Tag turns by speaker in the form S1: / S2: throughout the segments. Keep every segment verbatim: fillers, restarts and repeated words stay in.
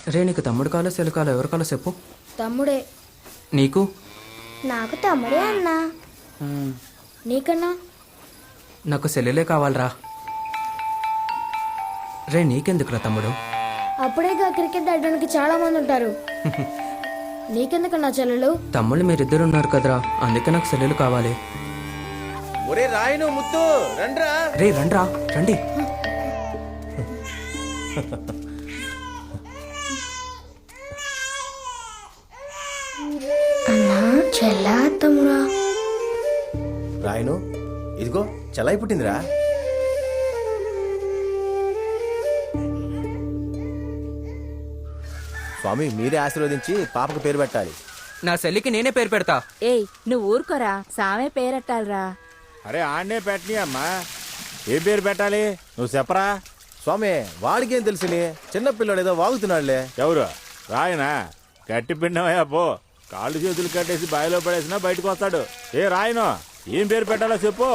S1: రే నీకు తమ్ముడు కాలో సెల్లు కాలో ఎవరు కాలో చెప్పు.
S2: తమ్ముడే.
S1: నీకు?
S2: నాకు తమ్ముడే అన్నా. నీకన్నా?
S1: నాకు సెల్లులే కావాలరా. రే నీకెందుకురా తమ్ముడు?
S2: అప్పుడేగా క్రికెట్ ఆడడానికి చాలా మంది ఉంటారు. నీకెందుకన్నా చెల్లెలు?
S1: తమ్ముళ్ళు మీరిద్దరు ఉన్నారు కదరా, అందుకే నాకు సెల్లులు కావాలి.
S3: ఒరే రాయను ముత్తు రండ్రా.
S1: రే రండ్రా రండి.
S2: అన్నా చెల్లా తమ్ముడా?
S3: రాయను ఇదిగో చెల్లాయి పుట్టిందిరా. స్వామి మీరే ఆశీర్వదించి పాపకు పేరు పెట్టాలి.
S1: నా సెల్లికి నేనే పేరు పెడతా.
S4: ఏయ్ నువ్వు ఊరుకోరా, సామే పేరెట్టాలరా.
S5: అరే ఆడనే పెట్టని అమ్మా, ఏం పేరు పెట్టాలి నువ్వు చెప్పరా.
S3: స్వామి వాడికేం తెలుసుని, చిన్న పిల్లడు ఏదో వాగుతున్నాడులే.
S5: ఎవరు? రాయనా? గట్టి పిండమయ్యా పో, కాళ్ళు చేతులు కట్టేసి బావిలో పడేసినా బయటకు వస్తాడు. ఏ రాయను, ఏం పేరు పెట్టాలో చెప్పు.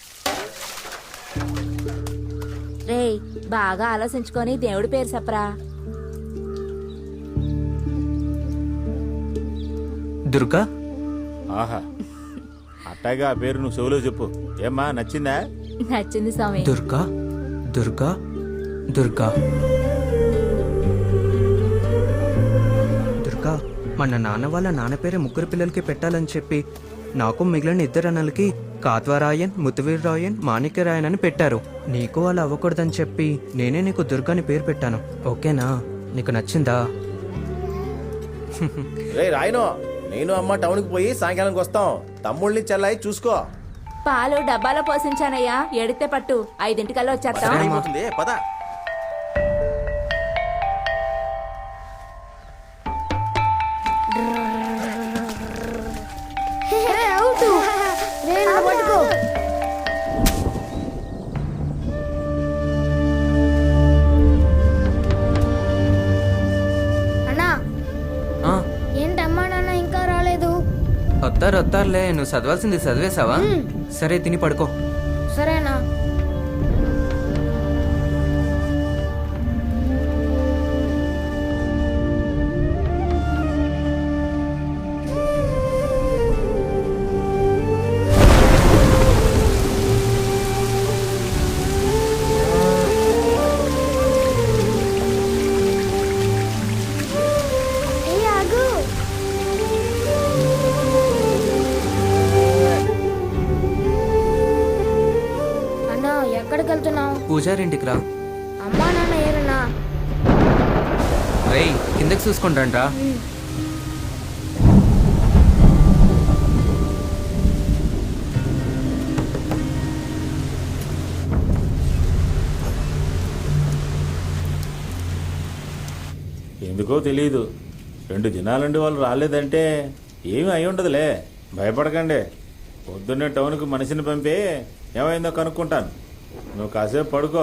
S4: రేయ్ బాగా ఆలోచించుకొని దేవుడి పేరు చెప్పరా.
S1: దుర్గా.
S5: ఆహా, అట్టాగా ఆ పేరు నువ్వు చెవులో చెప్పు. ఏమ్మా నచ్చిందా?
S4: నచ్చింది స్వామి.
S1: దుర్గా దుర్గా దుర్గా దుర్గా. మన నాన్న వాళ్ళ నాన్న పేరే ముగ్గురు పిల్లలకి పెట్టాలని చెప్పి నాకు మిగిలిన ఇద్దరు అన్నలకి కాత్వరాయన్, ముతువీర్రాయన్, మాణిక్యరాయన్ అని పెట్టారు. నీకు అలా అవ్వకూడదని చెప్పి నేనే నీకు దుర్గాని పేరు పెట్టాను. ఓకేనా? నీకు నచ్చిందా?
S3: రే రాయను, నేను అమ్మ టౌన్కి పోయి సాయంకాలంకి వస్తాం. తమ్ముళ్ళని చెల్లాయి చూసుకో.
S4: పాలు డబ్బాలో పోసించానయ్యా, ఎడితే పట్టు, ఐదింటికల్లా వచ్చేస్తాం.
S3: అయిపోతుంది పద.
S2: అన్నా
S1: ఆ,
S2: ఏంటమ్మా నాన్న ఇంకా రాలేదు?
S1: వస్తారు వస్తారులే. నువ్వు చదవాల్సింది చదివేశావా? సరే తిని పడుకో.
S2: సరేనా? ఎక్కడికి వెళ్తున్నావు?
S1: పూజారింటికి రా.
S2: అమ్మా నాన్న ఏరన్నా?
S1: రేయ్ కిందకి చూసుకుంటాంట్రా.
S5: ఎందుకో తెలియదు, రెండు దినాలండి వాళ్ళు రాలేదంటే ఏమీ అయి ఉండదులే, భయపడకండి. పొద్దున్నే టౌన్కి మనిషిని పంపి ఏమైందో కనుక్కుంటాను. నువ్వు కాసేపు పడుకో.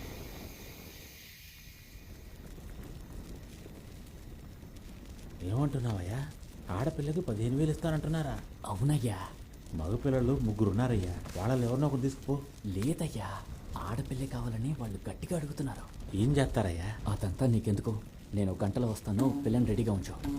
S5: ఏమంటున్నావయ్యా? ఆడపిల్లకి పదిహేను వేలు ఇస్తానంటున్నారా?
S6: అవునయ్యా.
S5: మగపిల్లలు ముగ్గురు ఉన్నారయ్యా, వాళ్ళని ఎవరినో ఒకరు తీసుకుపో.
S6: లేదయ్యా, ఆడపిల్లే కావాలని వాళ్ళు గట్టిగా అడుగుతున్నారు.
S5: ఏం చేస్తారయ్యా?
S6: అదంతా నీకెందుకు, నేను గంటలో వస్తాను, పిల్లని రెడీగా ఉంచు.